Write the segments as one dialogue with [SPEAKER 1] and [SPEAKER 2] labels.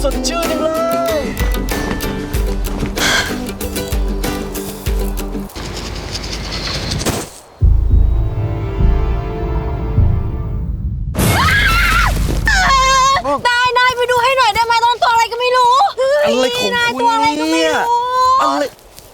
[SPEAKER 1] สดชื่นจังเลย
[SPEAKER 2] นายไปดูให้หน่อยได้ไหมต้นตัวอะไรก็ไม่รู้
[SPEAKER 1] อะไรของคุณ
[SPEAKER 2] ตัวอะไรก็ไม่
[SPEAKER 1] เนี่ย
[SPEAKER 2] รู้
[SPEAKER 1] อะไร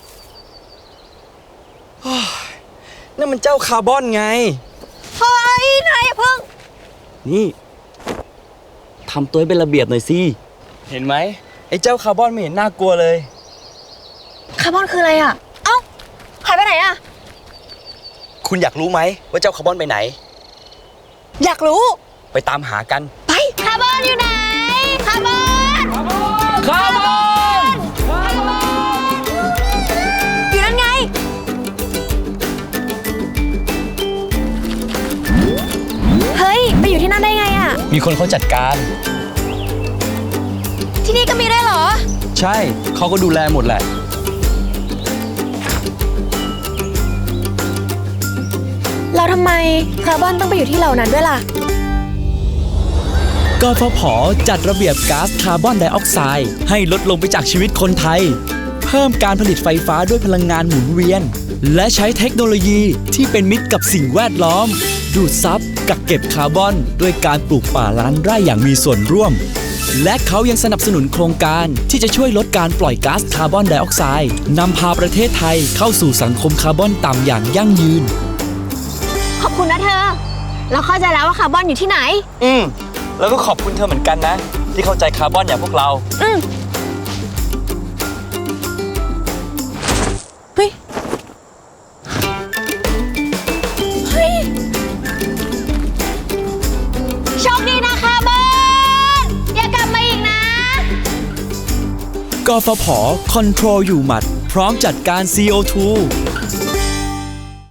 [SPEAKER 1] นั่นมันเจ้าคาร์บอนไง
[SPEAKER 2] เฮ้ยนายเพิ่ง
[SPEAKER 1] นี่ทำตัวให้เป็นระเบียบหน่อยสิเห็นไหมไอ้เจ้าคาร์บอนไม่เห็นน่ากลัวเลย
[SPEAKER 2] คาร์บอนคืออะไรอ่ะเอ้าหายไปไหนอ่ะ
[SPEAKER 1] คุณอยากรู้ไหมว่าเจ้าคาร์บอนไปไหน
[SPEAKER 2] อยากรู้
[SPEAKER 1] ไปตามหากัน
[SPEAKER 2] ไปคาร์บอนอยู่ไหนคาร์บอน
[SPEAKER 1] คาร์บอน
[SPEAKER 2] อยู่นั่นไงเฮ้ยไปอยู่ที่นั่นได้ไงอ่ะ
[SPEAKER 1] มีคนเขาจัดการ
[SPEAKER 2] ที่นี่ก็มีด้วยเหรอ
[SPEAKER 1] ใช่เขาก็ดูแลหมดแหละ
[SPEAKER 2] แล้วทำไมคาร์บอนต้องไปอยู่ที่เหล่านั้นด้วยล่ะ
[SPEAKER 3] กฟผ.จัดระเบียบก๊าซคาร์บอนไดออกไซด์ให้ลดลงไปจากชีวิตคนไทยเพิ่มการผลิตไฟฟ้าด้วยพลังงานหมุนเวียนและใช้เทคโนโลยีที่เป็นมิตรกับสิ่งแวดล้อมดูดซับกักเก็บคาร์บอนด้วยการปลูกป่าล้านไร่อย่างมีส่วนร่วมและเขายังสนับสนุนโครงการที่จะช่วยลดการปล่อยก๊าซคาร์บอนไดออกไซด์นำพาประเทศไทยเข้าสู่สังคมคาร์บอนต่ำอย่างยั่งยืน
[SPEAKER 2] ขอบคุณนะเธอเราเข้าใจแล้วว่าคาร์บอนอยู่ที่ไหน
[SPEAKER 1] แล้วก็ขอบคุณเธอเหมือนกันนะที่เข้าใจคาร์บอนอย่างพวกเรา
[SPEAKER 2] เฮ้ยโชคดีนะคาร์บอนอย่ากลับมาอีกนะ
[SPEAKER 3] กฟผ. คอนโทรลอยู่หมัดพร้อมจัดการ CO2